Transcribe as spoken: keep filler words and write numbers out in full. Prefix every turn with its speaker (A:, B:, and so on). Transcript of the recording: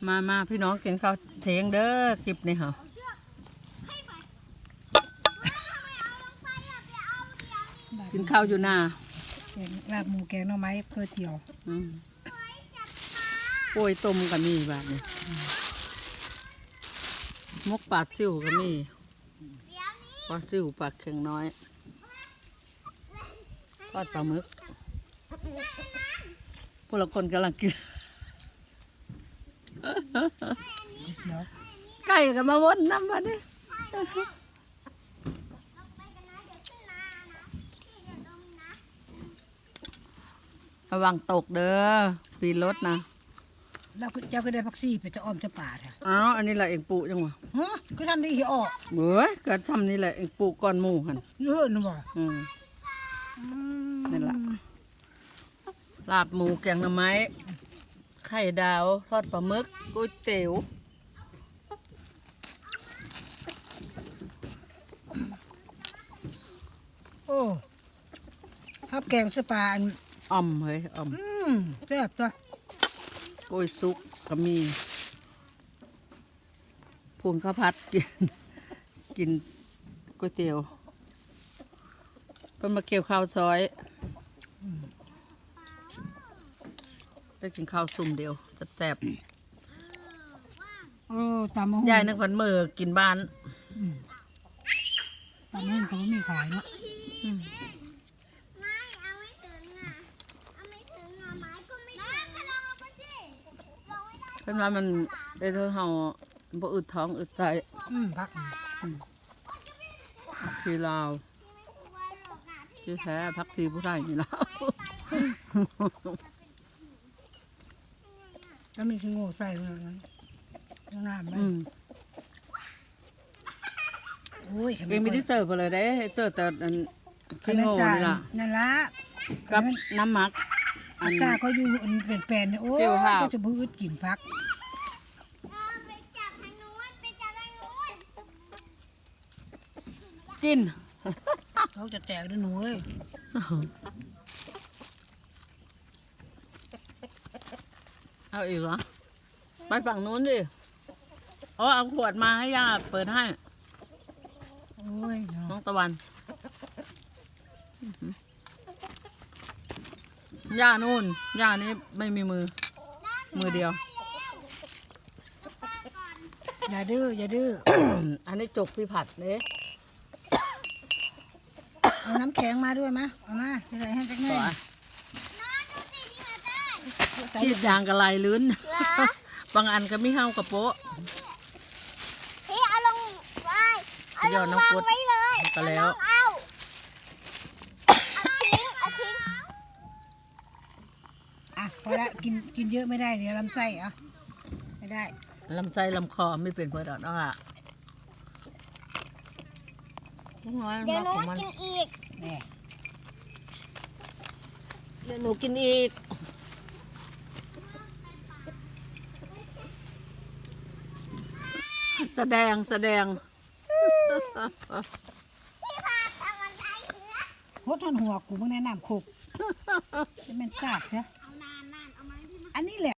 A: มามาพี่น้องกินข้าวเทงเด้อคลิปนี้เหรอกินข้าวอยู่หน้า
B: ลาบหมูแกงหน่อไม้เพื่อเจียว
A: ป่วยต้มก็มีแบบนี้มกปลาซิ่วก็มีปลาซิ่วปลาเค็งน้อยทอดปลาหมึกพวกเราคนกำลังกินไก่ก็มาวนน้ำมาดิระวังตกเด้อปีนรถนะ
B: แล้วเจ้าก็ได้พักซี่ไปจะอ้อมจะป่าแท้
A: อ้าวอันนี้แหละเองปลูกจังวะ
B: ฮะก็ทำได้เหี่ยวออก
A: เบ้ยเกิดทำนี่แหละเองปลูกก้อนหมูหัน
B: เยอะนะบ่
A: อืมนั่นแหละลาบหมูแกงหน่อไม้ไข่ดาวทอดปลาหมึกก๋วยเตี๋ยว
B: โอ้ข้าวแกงสปาอัน
A: อ่อมเฮ้ยอ่อม
B: อืมแซ่บจ้ะ
A: กล้วยซุกก็มีพูนข้าวผัดกินกินก๋วยเตี๋ยวเป็นมาเกี่ยวข้าวซอยได้กินข้าวซุ่มเดียวแซ่บ
B: เออตามมะฮุ่
A: ยายนึกวันเมื่อกินบ้าน
B: ตามมะฮุ่เขาไม่มีขายเนาะ
A: เป็นว่ามันได้เท่าเฮาบ่อึดท้องอึดใจ
B: อืมพัก
A: ทีลาวที่แท้พักทีผู้ใดนี่แล้ว
B: แล้วมีขี้งูใส่เลยนะน้ำไหมโอ้ย
A: เองไม่ได้เสิร์ฟเลยได้เสิร์ฟแต่ขี้งูนี่ล่ะ
B: นั่นละ
A: กับน้ำหมัก
B: อันซาเขาอยู่อันเป็นแปลนเนี่ยโอ้ก็จะบื้อกินพัก
A: กิน
B: เขาจะแตกด้วยหนูเอ้ย
A: เอาอีกเหรอไปฝั่งนู้นดิอ๋อเอาขวดมาให้ย่าเปิดให้
B: โอ้ย
A: น้องตะวันย่านู่นย่านี้ไม่มีมือมือเดียว
B: อย่าดื้ออย่าดื้อ
A: อันนี้จกพี่ผัดเลย
B: เอาน้ำแข็งมาด้วยมะเอามาใส่ให้จักหน่อย
A: ชีดยางกระไรลื้นบางอันก็ไม่เข้ากับโป๊ะ
C: พี่เอาลงไว้เอาลงวางไว้เลย
A: ก็แล้ว
C: เอาทิ้งเอาทิ้ง
B: อ่ะพอละกินกินเยอะไม่ได้เดี๋ยวลำไส้อ่ะไม่ได้
A: ลำไส้ลำคอไม่เป็นเพื่อนอ่ะ
C: เดี๋ยวหนูกินอีก
B: แน่
A: เดี๋ยวหนูกินอีกแสดงแสดง
C: พี่พาทำอะไรเหรอ
B: โคตรหัวกูมึงแนะนำคุกจะเป็นกาดใช่
C: เอานานนานเอามาให้พี่มา
B: อันนี้แหละ